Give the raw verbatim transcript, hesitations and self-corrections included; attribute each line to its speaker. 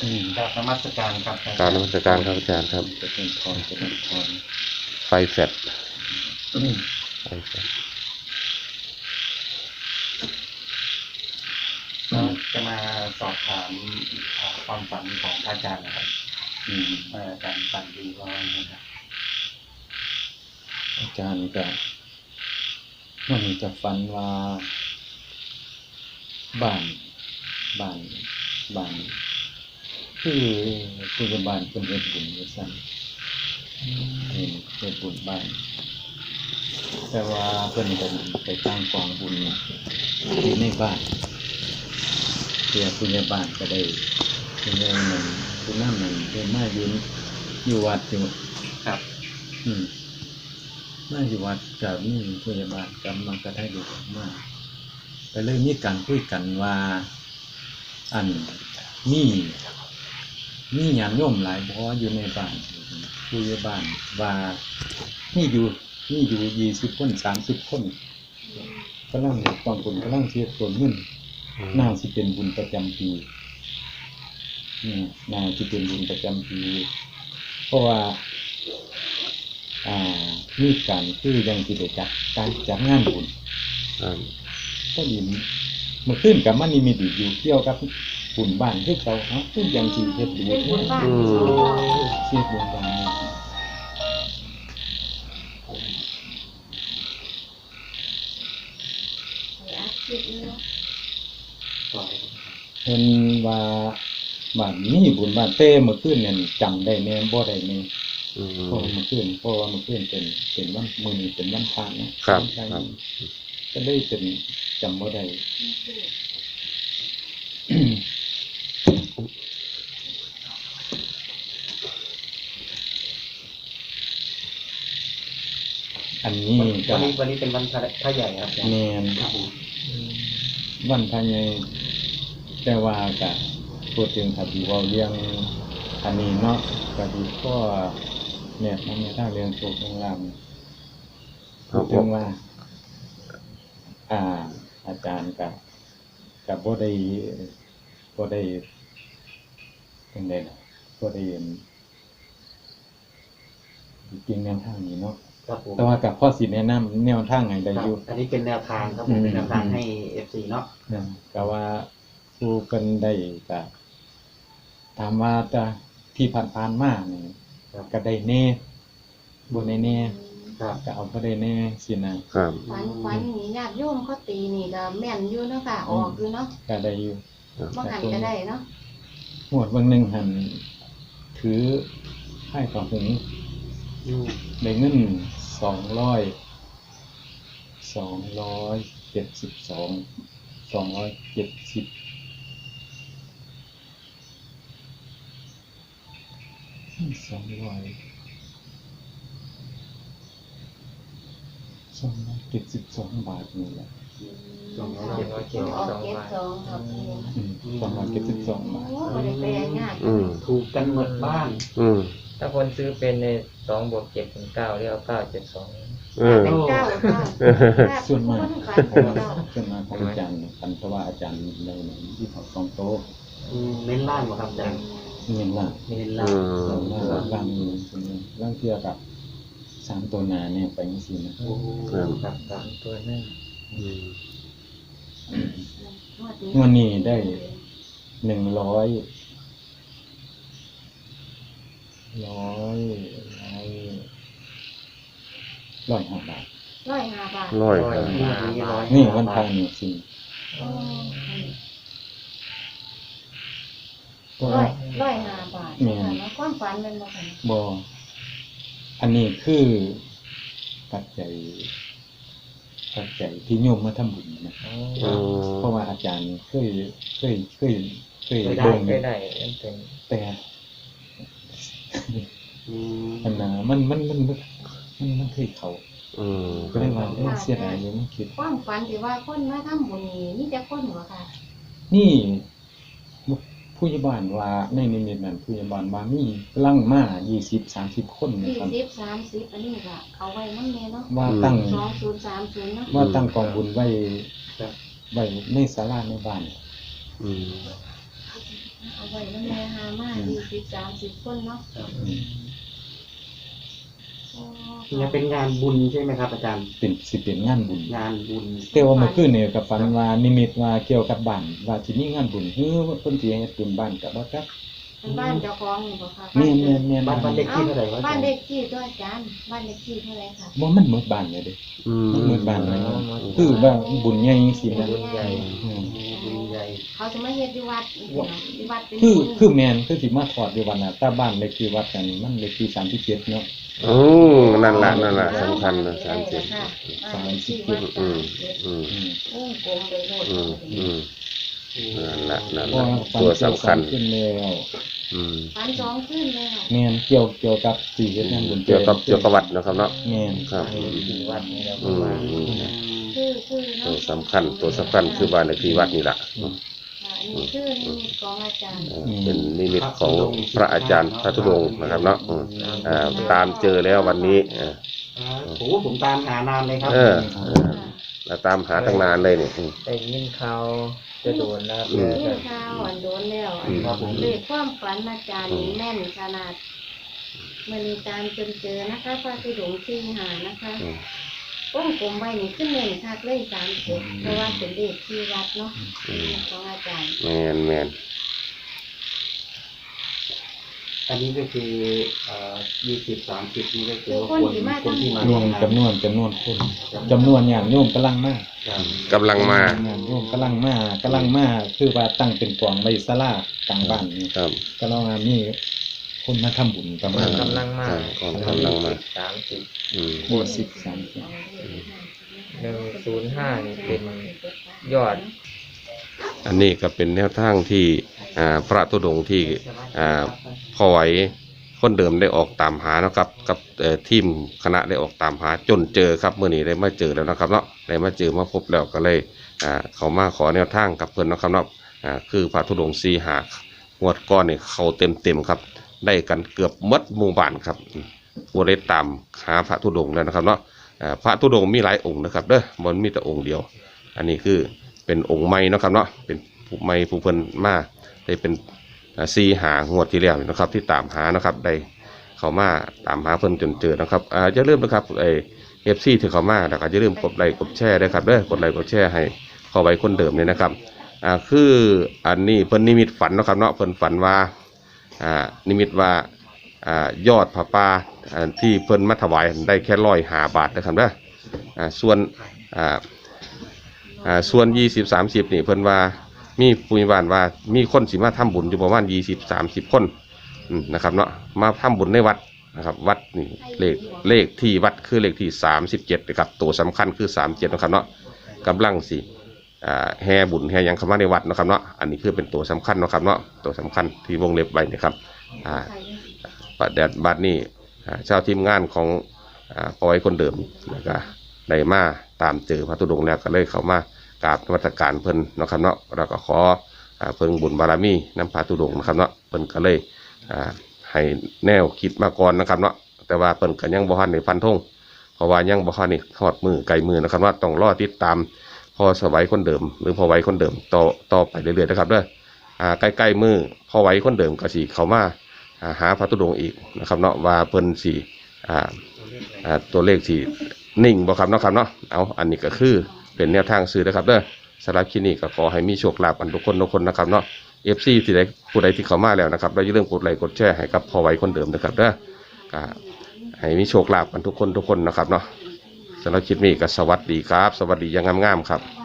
Speaker 1: กราบนมัสการครับ
Speaker 2: กราบนมัสการครับอาจารย์ครับ
Speaker 1: จะเป็นพรจะเป็นพร
Speaker 2: ไฟแฟดไฟแฟด
Speaker 1: จะมาสอบถามความฝันของอาจารย์นะครับอาจารย์ฝันดีว่านะครับ
Speaker 3: อาจารย์ก็มันจะฝันว่าบ้านบ้านบ้านคือผู้ใหญ่บ้านเพิ่นเฮ็ดบุญว่าซั่นเฮ็ดเฮ็ดบุญบ้านแต่ว่าเพิ่นก็ไปตั้งกองบุญอยู่ในบ้านเพื่อผู้ใหญ่บ้านก็ได้ผู้ใหญ่นั้นผู้นำนั้นเพิ่นมาอยู่อยู่วัดอยู่
Speaker 1: ครับ
Speaker 3: อืมมาอยู่วัดก็มีผู้ใหญ่บ้านกำลังกระได้ดูมาก็เลยมีการคุยกันว่าอันมีมีญาติโยมหลายบ่อยู่ในบ้านผู้ใหญ่บ้านว่ามีอยู่มีอยู่ยี่สิบคนสามสิบคนกำลังต้องบุญกำลังเฮ็ดส่วนเงินน่าสิเป็นบุญประจำปีนี่น่าสิเป็นบุญประจำปีเพราะว่าอ่ามีการคือยังสิได้จัดการจัดงานบุญก็ดีเมื่อคืนกับมันนี่มีดีอยู่เกี่ยวกับบุญบ้านคือเก่าเฮาคือยังสิเฮ็ดบุญบุญบ้านเฮ็ดบุญบ้านเพิ่นว่าบ้านนี้บุญบ้านเต้เมื่อคืนเนี่ยจำได้แม่บ่ได้แม่อืมเพราะเมื่อคืนเพราะว่าเมื่อคืนเป็นเป็นวันมื้อนี้เป็นวันพระนะครับครับก็ได้เป็นจำบ่ได้อันนี้
Speaker 1: วันนี้วันนี้เป็นวันพระใหญ่ครับ
Speaker 3: แม่นวันพระใหญ่แต่ว่าก็พูดถึงถ้าสิเว้าเรื่องอันนี้เนาะก็ดีก็เนี่ยมันมีทางเรื่องโชคเรื่องลาภพูดถึงว่าอ่าอาจารย์ก็ก็บ่ได้บ่ได้เป็นไดล่ะบ่ได้จริงแนวทางนี้เนาะแต่ว่ากับพ่อสิแนะนำแนวทางให้ได้อยู่
Speaker 1: อันนี้เป็นแนวทางครับผมเป็นแนวทางให้ เอฟ ซี เนาะ
Speaker 3: นะก็ว่าผู้เพิ่นได้ก็ถามว่าจะที่ผ่านๆมานี่ก็ได้แน่บ่ได้แน่ครับก็เอาบ่ได้แน่สินะครับ
Speaker 4: ฝันฝันนี่ญาติโยมเขาตีนี่ก็แม่นอยู่เนาะค่ะออกอยู่เนาะ
Speaker 3: ก็ได้อยู่
Speaker 4: บ่หันก็ได้เนาะ
Speaker 3: งวดวันนึงหันถือให้ของหงได้เงินสองร้อยสองร้อยเจ็ดสิบสอง สองร้อยเจ็ดสิบสองร้อยสองร้อยเจ็ดสิบสองบาทนี่แหละ
Speaker 1: สองร้อยเจ็ดสิบสองบาท
Speaker 4: สองครับ
Speaker 3: สองร้อยเจ็ดสิบสองบาท
Speaker 4: บ่ได้แปลง่าย
Speaker 1: ถูกกันหมดบ้าน
Speaker 5: ถ้าคนซื้อเป็นในสองบวกเจ็ดเป็นเก้าเรียกว่าเก้าเจ็ดสอง
Speaker 4: เป็นเก้า
Speaker 3: ส่วนมากส่วนมากของอาจารย์คันเพราะว่าอาจารย์ในที่เขาสองโต๊ะ
Speaker 1: เน้นล่างบ่ครับอาจารย์
Speaker 3: เน้นล่าง
Speaker 1: เน้นล่าง
Speaker 3: ส่วนมากล่างมีส่วนนึงล่างเทียบกับสามตัวหน้าเนี่ยไปจังซี่นะ
Speaker 1: ครับสามตัวหน้า
Speaker 3: วันนี้ได้หนึ่งร้อยร้อยร้อยร้อยห้าบาท
Speaker 4: ร้อยห้าบาท
Speaker 2: ร้อย
Speaker 3: นี่วันพระนี่สิ
Speaker 4: ร้อยร้อยห้าบาทเนี่ยแล้วความฝันเป็นบ่ค่ะ
Speaker 3: บ่อันนี้คือปัจจัยปัจจัยที่โยมมาทำบุญนะเพราะว่าอาจารย์เคยเคยเคยเคย
Speaker 5: เบิ่งได้เป็น
Speaker 3: แต่อันน่ะมันมันมันมันมันเคยเข้าอือก็เลยว่าเสียดายอยู่มันคิด
Speaker 4: ความฝันที่ว่าคนมาทำบุญนี่มีแต่คนบ่ค่ะ
Speaker 3: นี่ผู้ใหญ่บ้านว่าในนิมิตนั้นผู้ใหญ่บ้านว่ามีลังมายี่สิบ สามสิบคน
Speaker 4: นะครับยี่สิบ สามสิบอันนี้ก็เอาไว้นำแน่เนาะ
Speaker 3: ว่าตั้ง
Speaker 4: สองศูนย์สามศูนย์เนาะ
Speaker 3: ว่าตั้งกองบุญไว้ไว้ในศาลาในบ้านอืม
Speaker 4: เอาไว้แล้วแม่หามายี่สิบสามสิบคนเนาะ
Speaker 3: อืม
Speaker 4: โอ้
Speaker 1: เนี่ยเป็นงานบุญใช่ไหมครับอาจารย์
Speaker 3: เป็นสิเป็นงานบุญ
Speaker 1: งานบุญ
Speaker 3: แต่ว่าเมื่อคืนนี่ก็ฝันว่านิมิตว่าเกี่ยวกับบ้านว่าสิมีงานบุญเฮ้อเพิ่นสิเฮ็ดบุญบ้านก็บ่จัก
Speaker 4: เป็นบ้านเจ้าของนี่บ่คะ
Speaker 3: แม่นแม่นแม่น
Speaker 1: บ้านบ้านเด็กที่เท่าไหร่วะอา
Speaker 4: บ้า
Speaker 1: จาน รย์
Speaker 4: เลขที่ด้วยอาจารย์บ้านเลขที่เท่าไหร่คะ
Speaker 3: บ่มันหมดบ้านเลยเด้
Speaker 2: อืม
Speaker 3: มันหมดบ้านเลยคือว่าบุญใหญ่จังซี่นะ
Speaker 5: บุญใหญ่
Speaker 3: อืม
Speaker 1: บุญใหญ่
Speaker 4: เขาจะมาเฮ็ดอยู่วัดอีกเนาะที่วัดเป็น
Speaker 3: คือคือแม่นคือสิมาถอดอยู่วันน่ะแต่บ้านเลขที่วัดกันมันเลขที่สามสิบเจ็ดเนาะ
Speaker 2: อืมนั่นล่ะนั่นล่ะสำคัญนะสามสิบ
Speaker 4: สามสิบเจ็ด
Speaker 2: อืมอืม
Speaker 3: อืม
Speaker 4: โอ้กลมไปโลด
Speaker 2: อืมอืมนั่นล่ะนั่น
Speaker 3: เพราะ
Speaker 2: ล่ะ
Speaker 3: ว่าฝัน
Speaker 2: ตัว
Speaker 3: เกี่ยว
Speaker 2: สำคัญ
Speaker 3: ขึ้นแล้ว
Speaker 2: อืม
Speaker 4: ฝันสองขึ้นแล้ว
Speaker 3: แม่นเกี่ยวเกี่ยวกับสิเฮ็ดงานบุญ
Speaker 2: เกี่ยวกับเกี่ยวกับวัดนะครับเนาะ
Speaker 3: แม่น
Speaker 2: ครับ
Speaker 5: ที่วัดนี่เรา
Speaker 2: อืม
Speaker 5: มา
Speaker 2: อืม
Speaker 4: คือคือ
Speaker 2: ตัวสำคัญตัวสำคัญคือบ้านเลขที่วัดนี่ล่ะ
Speaker 4: อันนี้คือนิมิตของอาจารย์
Speaker 2: เออเป็นนิมิตของพระอาจารย์พระธุดงค์นะครับเนาะอืมอ่าตามเจอแล้ววันนี้เออ
Speaker 1: อ่าโอ้โหผมตามหานานเลยครับ
Speaker 2: เออเออเราตามหาตั้งนานเลยเนี่ยอืม
Speaker 5: ได้ยินข่าวจะโดนนะครับ
Speaker 2: อืม
Speaker 5: แล้ว
Speaker 4: นี่
Speaker 5: ก็
Speaker 4: ข้าวอันโดนแล้วอัน
Speaker 2: อืม
Speaker 1: ครับผม
Speaker 4: เลขความฝันอาจารย์นี่แม่นขนาดมันตามจนเจอนะคะพระธุดงค์ที่หานะคะ
Speaker 2: อืม
Speaker 4: ก้มกลมไว้นี่ขึ้นเน่นคักเลยสามเจ็ดเพราะว่าเป็นเลขที่วัดเนาะ
Speaker 2: อืม
Speaker 4: ของอาจารย์
Speaker 2: แมนแมน
Speaker 1: อันนี้ก็คือเอ่อยี่สิบสามสิบนี่ก็คือ
Speaker 4: คือ
Speaker 1: ว่า
Speaker 4: คน
Speaker 1: คน
Speaker 4: ที่มา
Speaker 1: คนที่มา
Speaker 3: รวมจำนวนจำนวนคนจำนวนญาติโยมกำลังมา
Speaker 1: ครับ
Speaker 2: กำลังมา
Speaker 3: ญาติโยมกำลังมากำลังมาคือว่าตั้งเป็นกองไว้ศาลากลางบ้านนี่
Speaker 2: ครับ
Speaker 3: ก็เรามีคนมาทำบุญประมาณ
Speaker 5: กำลังมา
Speaker 2: ครับกำลังมา
Speaker 5: สามสิบ
Speaker 2: อืม
Speaker 3: ยี่สิบสามสิบ
Speaker 5: หนึ่งศูนย์ห้านี่เป็นยอด
Speaker 2: อันนี้ก็เป็นแนวทางที่อ่าพระธุดงค์ที่อ่าพอไหวคนเดิมได้ออกตามหานะครับกับเอ่อทีมคณะได้ออกตามหาจนเจอครับเมื่อนี้ได้มาเจอแล้วนะครับเนาะได้มาเจอมาพบแล้วก็เลยอ่าเขามาขอแนวทางกับเพื่อนนะครับเนาะอ่าคือพระธุดงค์สีหางวดก้อนนี่เขาเต็มเต็มๆครับได้กันเกือบหมดหมู่บ้านครับผู้ได้ตามหาพระธุดงค์แล้วนะครับเนาะอ่าพระธุดงค์มีหลายองค์นะครับเด้อมันมีแต่องค์เดียว อันนี้คือเป็นองค์ใหม่เนาะครับเนาะเป็นผู้ใหม่ผู้เพิ่นมาได้เป็นอ่าซีหางวดที่แล้วนี่นะครับ ที่ตามหานะครับได้เขามาตามหาเพิ่นจนเจอนะครับอ่าอย่าลืมนะครับไอเอฟซีที่เขามาแล้วก็อย่าลืมกดไลค์กดแชร์ด้วยครับเด้อกดไลค์กดแชร์ให้เข้าไว้คนเดิมเนี่ยนะครับอ่าคืออันนี้เพิ่นนิมิตฝันเนาะครับเนาะเพิ่นฝันว่าอ่านิมิตว่าอ่ายอดผ้าป่าอ่าที่เพิ่นมาถวายได้แค่ร้อยห้าบาทนะครับเด้ออ่าส่วนอ่า อ่าส่วนยี่สิบสามสิบนี่เพิ่นว่ามีผู้มีบ้านว่ามีคนสิมาทำบุญอยู่ประมาณยี่สิบสามสิบคนอืมนะครับเนาะมาทำบุญในวัดนะครับวัดนี่เลขเลขที่วัดคือเลขที่สามสิบเจ็ดนะครับตัวสำคัญคือสามเจ็ดนะครับเนาะกำลังสิอ่าแห่บุญแห่หยังเข้ามาในวัดนะครับเนาะอันนี้คือเป็นตัวสำคัญนะครับเนาะตัวสำคัญที่วงเล็บไว้นะครับอ่าประเด็นบัดนี้อ่าเจ้าทีมงานของอ่าพอไว้คนเดิมแล้วก็ได้มาตามเจอพระธุดงค์แล้วก็เลยเข้ามากราบนมัสการเพิ่นเนาะครับเนาะแล้วก็ขออ่าเพิ่งบุญบารมีน้ำพระธุดงค์นะครับเนาะเพิ่นก็เลยอ่าให้แนวคิดมาก่อนนะครับเนาะแต่ว่าเพิ่นก็ยังบ่ทันได้ฟันธงเพราะว่ายังบ่ทันได้ทอดมือไกลมือนะครับว่าต้องรอติดตามพอสวัยคนเดิม หรือพอไว้คนเดิมต่อต่อไปเรื่อยๆนะครับเด้ออ่าใกล้ๆมือพอไว้คนเดิมก็สิเข้ามาอ่าหาพระธุดงค์อีกนะครับเนาะว่าเพิ่นสิอ่าอ่าตัวเลขสินิ่งบ่ครับเนาะครับเนาะเอาอันนี้ก็คือเป็นแนวทางซื้อนะครับเด้อสำหรับคลิปนี้ก็ขอให้มีโชคลาภกันทุกคนทุกคนนะครับเนาะ เอฟ ซี ที่ใดผู้ใดที่เข้ามาแล้วนะครับแล้วอย่าลืมกดไลค์กดแชร์ให้กับพอไว้คนเดิมนะครับเด้อก็ให้มีโชคลาภกันทุกคนทุกคนนะครับเนาะสำหรับคลิปนี้ก็สวัสดีครับ สวัสดีอยังงามๆครับ